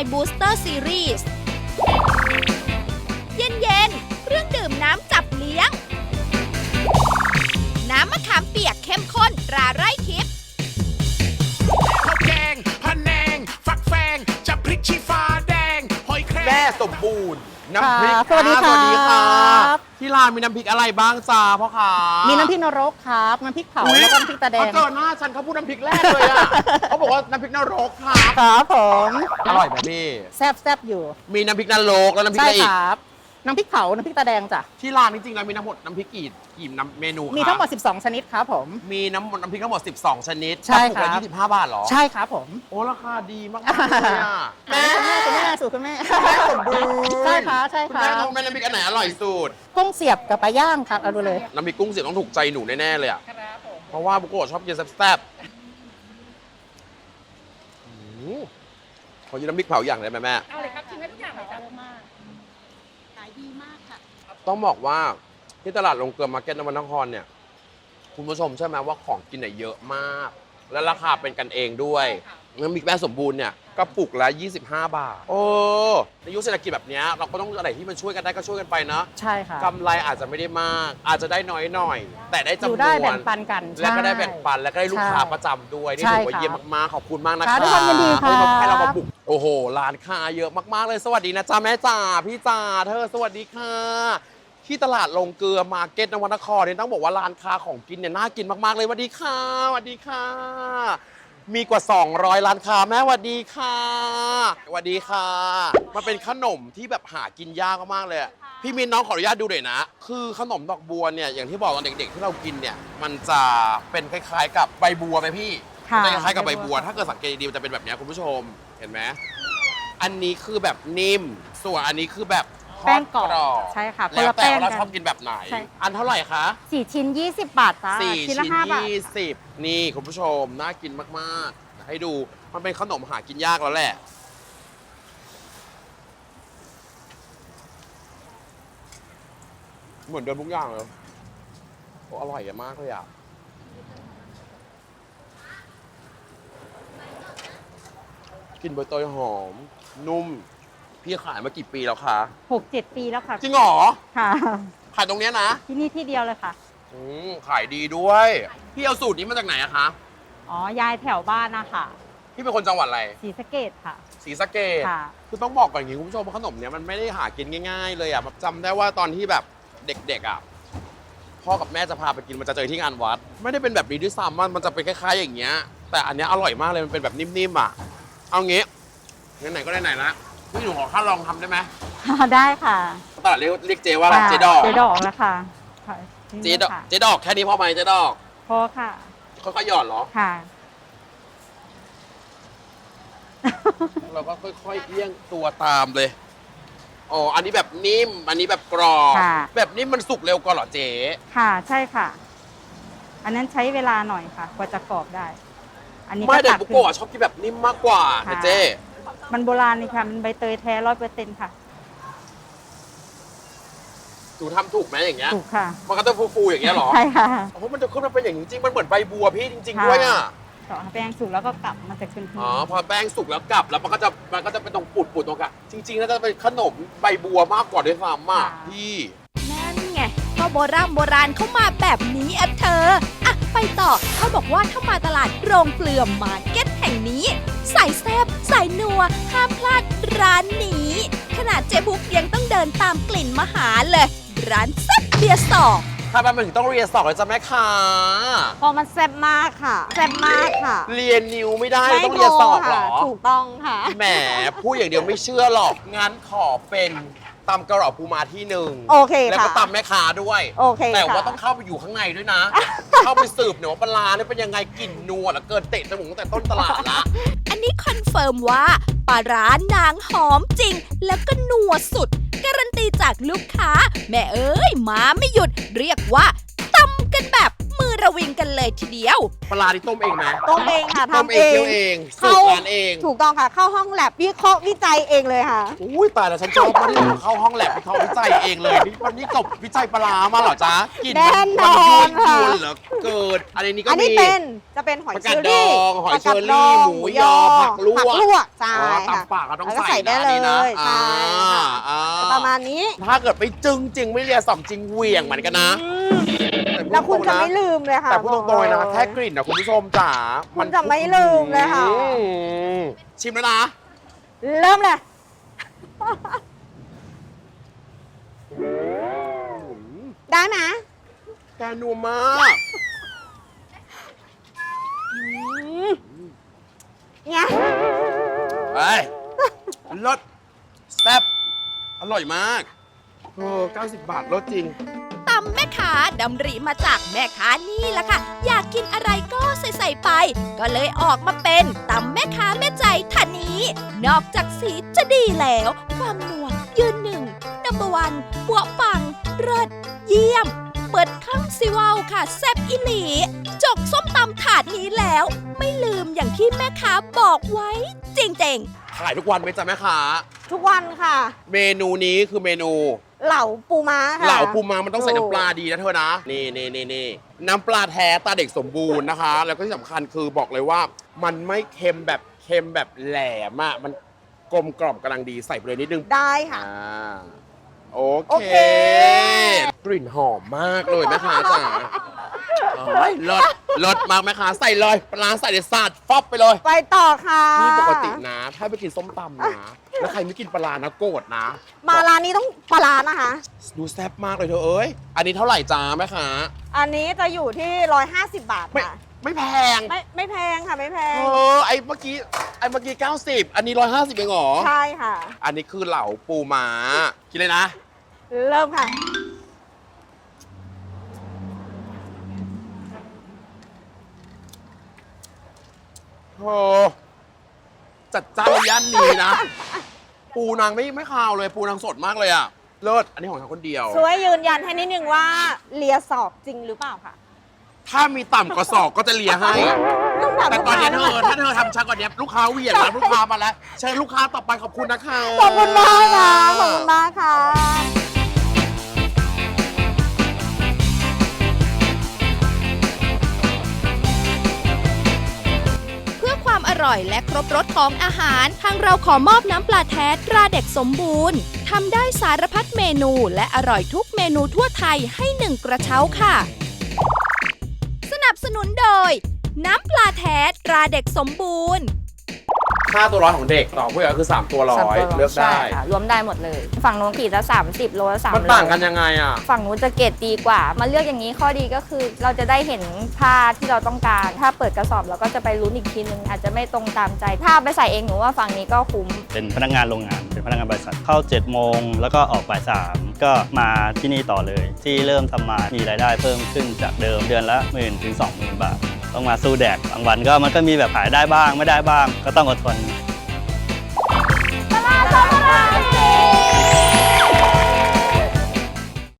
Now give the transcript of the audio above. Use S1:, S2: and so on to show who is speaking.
S1: My Booster Series เย็นๆเครื่องดื่มน้ำจับเลี้ยง น้ำมะขามเปียกเข้มข้นตราไร่ทิพย์
S2: ข้าวแกงพะแนง ฟักแฟงจะพริกชี้ฟ้าแดง หอยแครง
S3: แม่สมบูรณ์น้ำพริก
S4: สวัสดีครับ
S3: สวัสดีครับที่ร้านมีน้ำพริกอะไรบ้างจ้าพ่อขา
S4: มี
S3: มี
S4: น้ำพริกนรกครับ น้ำพริกเผา แล้วก็น้ำพริกตาแดง
S3: เขาเจอหน้าฉันเขาพูดน้ำพริกแรกเลยอ่ะ เขาบอกว่าน้ำพริกนรกครับ
S4: ครับผม
S3: อร่อยไหมพี่
S4: แซบอยู่
S3: มีน้ำพริกนรกแล้วน้ำพริก
S4: ใช่
S3: อะไรอี
S4: ค
S3: ก
S4: รับ น้ำพริกเผา น้ำพริกตาแดงจ้ะ
S3: ที่ร้านจริงๆแล้วมีทั้งหมดน้ำพริกกี่น้ำเมนูคะ
S4: มีทั้งหมด 12 ชนิดครับผม
S3: มีน้ำพริกทั้งหมด 12 ชนิด
S4: ใช่
S3: กระปุกละ
S4: ครับ
S3: 25 บาทเหรอ
S4: ใช่ครับผม
S3: โอ้ราคาดีมากๆเลยอ่ะ
S4: แม่คุณแม่สูตรคุณแม่
S3: แม่สมบูรณ์
S4: ใช่ค่ะใช่
S3: คุณ
S4: ค่ะ
S3: แม่ทำแม่น้ำพริกอันไหนอร่อยสุด
S4: กุ้งเสียบกับปลาย่างครับ เอาดูเลย
S3: น้ำพริกกุ้งเสียบต้องถูกใจหนูแน่ๆเลยอ่ะเพราะว่าบุโกะชอบกินแซ่บๆขอยืนน้ำพริกเผาอย่างได้ไหมแม่
S4: เอาเลยครับชิมให้ทุกอย่างเลยจ้ะมากขายดีมากค่ะ
S3: ต้องบอกว่าที่ตลาดลงเกลือมาร์เก็ตนวนครเนี่ยคุณผู้ชมใช่ไหมว่าของกินเนี่ยเยอะมาก และราคาเป็นกันเองด้วยน้ำพริกแม่สมบูรณ์เนี่ยกระปุกละ25 บาทโอ้ในยุคเศรษฐกิจแบบเนี้ยเราก็ต้องอะไรที่มันช่วยกันได้ก็ช่วยกันไปนะ
S4: ใช่ค่ะ
S3: กำไรอาจจะไม่ได้มาก อาจจะได้น้อยหน่อย แต่ได้
S4: อ
S3: จำน
S4: ยู่
S3: วน
S4: ได้แบ่งปันกัน
S3: และก็ได้แบ่งปัน
S4: ใช่
S3: และก็ได้ลูกค้า
S4: ใช่
S3: ประจำด้วยนี่
S4: ใช่
S3: ถือว่า
S4: ค่ะ
S3: เยี่ยมมากๆขอบคุณมากนะ
S4: ค่ะ
S3: คะ
S4: ด้วยความยินดีค่ะ
S3: ให้เรามาบุกโอ้โหร้านค้าเยอะมากๆเลยสวัสดีนะจ๊ะแม่จ๋าพี่จ๋าเธอสวัสดีค่ะที่ตลาดลงเกลือมาร์เก็ตนวนครเนี่ยต้องบอกว่าร้านค้าของกินเนี่ยน่ากินมากๆเลยสวัสดีค่ะสวัสดีค่ะ มีกว่า 200 ร้านค้าแม่สวัสดีค่ะสวัสดีค่ะมันเป็นขนมที่แบบหากินยากมากๆเลยอะพี่มินน้องขออนุญาตดูหน่อยนะ คือขนมดอกบัวเนี่ยอย่างที่บอกตอนเด็กๆที่เรากินเนี่ยมันจะเป็นคล้ายๆกับใบบัวไหมพี่
S4: ค่ะ
S3: มันจะคล้ายๆกับใบบัว ถ้าเกิดสังเกตดีๆมันจะเป็นแบบเนี้ยคุณผู้ชมเห็นไหมอันนี้คือแบบนิ่มส่วนอันนี้คือแบบทอด
S4: แป้งกรอบ
S3: รอบ
S4: ใช่ค่ะคน
S3: แล้ว
S4: ละ
S3: แต่
S4: แป้ง
S3: ว่าเรา
S4: กัน
S3: ชอบกินแบบไหน
S4: ใช่
S3: อันเท่าไหร่คะ
S4: 4 ชิ้น 20 บาทจ้า
S3: 4
S4: ชิ้
S3: ชิ้
S4: น
S3: น
S4: ละ5 บาท
S3: 20นี่คุณผู้ชมน่ากินมากๆให้ดูมันเป็นขนมหากินยากแล้วแหละเหมือนเดิมทุกอย่างเลยโอ้อร่อยมากเลยอ่ะกลินใบเตยหอม นุ่ม พี่ขายมากี่ปีแล้วคะ
S4: 6-7 ปีแล้วค่ะ
S3: จริงเหรอ
S4: ค่ะ
S3: ขายตรงเนี้ยนะ
S4: ที่นี่ที่เดียวเลยค่ะ
S3: ขายดีด้วย พี่เอาสูตรนี้มาจากไหนอะคะ
S4: อ๋อยายแถวบ้านนะคะ
S3: พี่เป็นคนจังหวัดอะไร
S4: ศรีสะเกดค่ะ
S3: ศรีสะเกษ
S4: ค่ะ
S3: คือต้องบอกก่อนอย่างนี้คุณผู้ชมว่าขนมเนี้ยมันไม่ได้หากินง่ายๆเลยอ่ะแบบจำได้ว่าตอนที่แบบเด็กๆอ่ะพ่อกับแม่จะพาไปกินมันจะเจอที่งานวัด ไม่ได้เป็นแบบนี้ด้วยซ้ำมันจะเป็นคล้ายๆอย่างเงี้ย แต่อันเนี้ยอร่อยมากเลยมันเป็นแบบนิ่มๆอ่ะ เอางี้ไหนๆก็ไหนๆละพี่หนูขอข้าลองทำได้ไหม
S4: ได้ค่ะ
S3: ตลาดเรียกเจว่าอะไรเจดอก
S4: เจดอกแล้วค่ะค่ะ
S3: เจดอกเจดอกแค่นี้พอไหมเจดอก
S4: พอค่ะ
S3: ค่อยๆหยอดเหรอ
S4: ค่ะ
S3: เราก็ค่อยๆเอี้ยงตัวตามเลย อ๋อ อันนี้แบบนิ่ม อันนี้แบบกรอบ
S4: ค่ะ
S3: แบบนิ่มมันสุกเร็วกว่าเหรอเจ๊
S4: ค่ะใช่ค่ะ อันนั้นใช้เวลาหน่อยค่ะ กว่าจะกรอบได้ อันนี้
S3: ไม่แต่
S4: ตัก
S3: บุ
S4: ขึ้
S3: โกะ
S4: น
S3: ชอบกินแบบนิ่มมากกว่า
S4: ค่ะ
S3: นะเจ๊
S4: มันโบราณนี่ค่ะ มันใบเตยแท้100%ค่ะ
S3: หนูทำถูกไหมอย่างเงี้ย
S4: ถูกค่ะ
S3: มันก็จะฟูๆอย่างเงี้ยเหรอ
S4: ใช่ค่ะ
S3: โอ้โหมันจะขึ้นมาเป็นอย่างนี้จริง มันเหมือนใบบัวพี่จริงๆด้วยอ่ะ
S4: ต่อแป้งสุกแล้วก็กลับมันจะขึ้น
S3: อ๋อ พอแป้งสุกแล้วกลับแล้วมันก็จะเป็นตรงปุดๆตรงกลางจริงๆแล้วจะเป็นขนมใบบัวมากกว่าด้วยซ้ำอ่ะพี่
S1: นั่นไงก็โบราณเข้ามาแบบนี้อะเธออ่ะไปต่อเขาบอกว่าถ้ามาตลาดโรงเกลือมาร์เก็ตแห่งนี้ใส่แซบใส่นัวห้ามพลาดร้านนี้ ขนาดเจ๊บุ๊กยังต้องเดินตามกลิ่นมาหาเลย ร้านแซ่บเบียร์สอง
S3: ถ้ามันถึงต้องเรียนสอบเลยจ้ะแม่ค้า
S5: เพราะมันแซ่บมากค่ะ แซ่บมากค่ะ
S3: เรียนนิ้วไม่ได้ต้องเรียนสอบเหรอ
S5: ถูกต้องค่ะ
S3: แหมพูดอย่างเดียวไม่เชื่อหรอก งั้นขอเป็นตำกระเหล่าปูมาที่หนึ่ง
S5: โอเค
S3: แล้ว
S5: ค่ะ
S3: ก็ตำแม่ค้าด้วย
S5: โอเค
S3: แต่ว่า
S5: ค่ะ
S3: ต้องเข้าไปอยู่ข้างในด้วยนะ เข้าไปสืบหน่อยว่าปลาร้าเนี่ยเป็นยังไงกลิ่นนัวเหลือเกินเตะจมูกตั้งแต่ต้นตลาดละ
S1: อันนี้คอนเฟิร์มว่าปลาร้านางหอมจริง แล้วก็นัวสุด การันตีจากลูกค้า แม่เอ้ยมาไม่หยุด เรียกว่าตำกันแบบมือระวิงกันเลยทีเดียว
S3: ปลาที่ต้มเองไหม
S5: ต้มเองค่ะ
S3: ต้ม
S5: ทำ
S3: เอ
S5: เอง
S3: เคี่ยวเองสูตรร้านเอง
S5: ถูกต้องค่ะ เข้าห้องแลบวิเคราะห์วิจัยเองเลยค่ะ
S3: อุ้ยตายแล้วฉันชอบมากที่เข้าห้องแลบเขาวิจัยเองเลยนี่วันนี้จบวิจัยปลาร้ามาเหรอจ๊ะกิน
S5: แน่นอน
S3: มั
S5: ค่ะ
S3: ยวนเหรอเกิดอันนี้ก็
S5: อันนี้
S3: มี
S5: จะเป็นหอย
S3: ผัก
S5: เช
S3: กาด
S5: อรี่
S3: ดองหอยเชอรี่
S5: ผักกาดดอง
S3: หมูยอผักลวก
S5: ผักลวกใช่
S3: อ๋อ
S5: ค่ะ
S3: ตำปากก็ต้อง
S5: แล้วก็
S3: ใส่
S5: ใส่ได้
S3: นะอันนี้นะ
S5: เลยใช่ค่ะ
S3: อ่า
S5: ประมาณนี้
S3: ถ้าเกิดไปจึงจริงไม่เรียสอมจริงเหวี่ยงเหมือนกันนะ
S5: อืมแล้วคุณจะไม่ลืมเลยค่ะ
S3: แต่พูดตรงๆเลยนะ
S5: บอกเลย
S3: แค่กลิ่นนะคุณผู้ชมจ๋า
S5: คุณจะไม่ลืมเลยค่ะ
S3: อืมชิมแล้วนะ
S5: เริ่มเลย ได้ไหม
S3: แกนัวมาก
S5: เนี่ย
S3: เฮ้ยรสแซ่บอร่อยมาก90 บาทรสจริง
S1: ตำแม่ค้าดำริมาจากแม่ค้านี่แหละค่ะ อยากกินอะไรก็ใส่ไป ก็เลยออกมาเป็นตำแม่ค้าแม่ใจท่านนี้ นอกจากสีจะดีแล้ว ความนัวยืนหนึ่งนัม1ปัวปังเลิศเยี่ยม เปิดข้างซิเวาค่ะแซ่บอิหลี จกส้มตำถาดนี้แล้ว ไม่ลืมอย่างที่แม่ค้าบอกไว้จริงๆ
S3: ขายทุกวันไหมจ๊ะแม่ค้า
S5: ทุกวันค่ะ
S3: เมนูนี้คือเมนู
S5: เหล่าปูม้าค่ะ
S3: เหล่าปูม้ามันต้องใส่น้ำปลาดีนะเธอนะ นี่น้ำปลาแท้ตาเด็กสมบูรณ์นะคะ แล้วก็ที่สำคัญคือบอกเลยว่า มันไม่เค็มแบบแหลมอะมันกลมกล่อมกำลังดีใส่ไปเลยนิดนึง
S5: ได้ค่ะ
S3: โอ
S5: โอ
S3: เค
S5: เค
S3: กลิ่นหอมมากเลยแม่ค้าจ๋าเฮ้ยเลิศมากแม่ค้าใส่เลยปลาร้าใส่ในสาดฟอบไปเลย
S5: ไปต่อค่ะ
S3: นี่ปกตินะ ถ้าไปกินส้มตำนะ แล้วใครไม่กินปลาร้านะโกรธนะ
S5: มาร้านนี้ต้องปลาร้านะคะ
S3: ดูแซ่บมากเลยเธอเอ้ย อันนี้เท่าไหร่จ้าแม่ค้า
S5: อันนี้จะอยู่ที่ 150 บาทค่ะ
S3: ไม่แพง
S5: ไม่แพงค่ะไม่แพง
S3: ไอ้เมื่อกี้90 อันนี้150เองเหรอ
S5: ใช่ค่ะ
S3: อันนี้คือเหล่าปูม้ากินเลยนะ
S5: เริ่มค่ะ
S3: โอ้จัดจ้านย่านนี้นะ ปูนางไม่คาวเลย ปูนางสดมากเลยอะเลิศอันนี้ของฉันคนเดียว
S5: ช่วยยืนยันให้นิดนึงว่าเลียสอบจริงหรือเปล่าค่ะ
S3: ถ้ามีต่ำกว่าศอกก็จะเลียให้
S5: ต้องถาม
S3: แต่ตอนนี้
S5: ลูกค้า
S3: ถ้าเธอทำช้ากว่านี้ลูกค้าเหวี่ยงแล้วลูกค้ามาแล้ว เชิญลูกค้าต่อไปขอบคุณนะคะ
S5: ขอบคุณมากค่ะ ขอบคุณมากค่ะ
S1: เพื่อความอร่อยและครบรสของอาหารทางเราขอมอบน้ำปลาแท้ตราเด็กสมบูรณ์ทำได้สารพัดเมนูและอร่อยทุกเมนูทั่วไทยให้1กระเช้าค่ะ สนับสนุนโดย น้ำปลาแท้ตราเด็กสมบูรณ์
S3: ค่าตัวร้อยของเด็กต่อผู้ใหญ่ก็คือ3ตัวร้อยเลือกได้
S6: ใช่ค่ะรวมได้หมดเลย ฝั่งนู้นขีดละ30 โลละ3
S3: มันต่างกันยังไงอ่ะ
S6: ฝั่งนู้นจะเกรดดีกว่า มาเลือกอย่างนี้ข้อดีก็คือ เราจะได้เห็นผ้าที่เราต้องการ ถ้าเปิดกระสอบเราก็จะไปลุ้นอีกทีนึงอาจจะไม่ตรงตามใจ ถ้าเอาไปใส่เองหนูว่าฝั่งนี้ก็คุ้ม
S7: เป็นพนักงานโรงงาน เป็นพนักงานบริษัท เข้า 7 โมง แล้วก็ออกบ่าย3ก็มาที่นี่ต่อเลย ที่เริ่มทำมามีรายได้เพิ่มขึ้นจากเดิมเดือนละ 10,000 ถึง 20,000 บาท ต้องมาสู้แดดบางวันก็มันก็มีแบบขายได้บ้างไม่ได้บ้าง ก็ต้องอดทน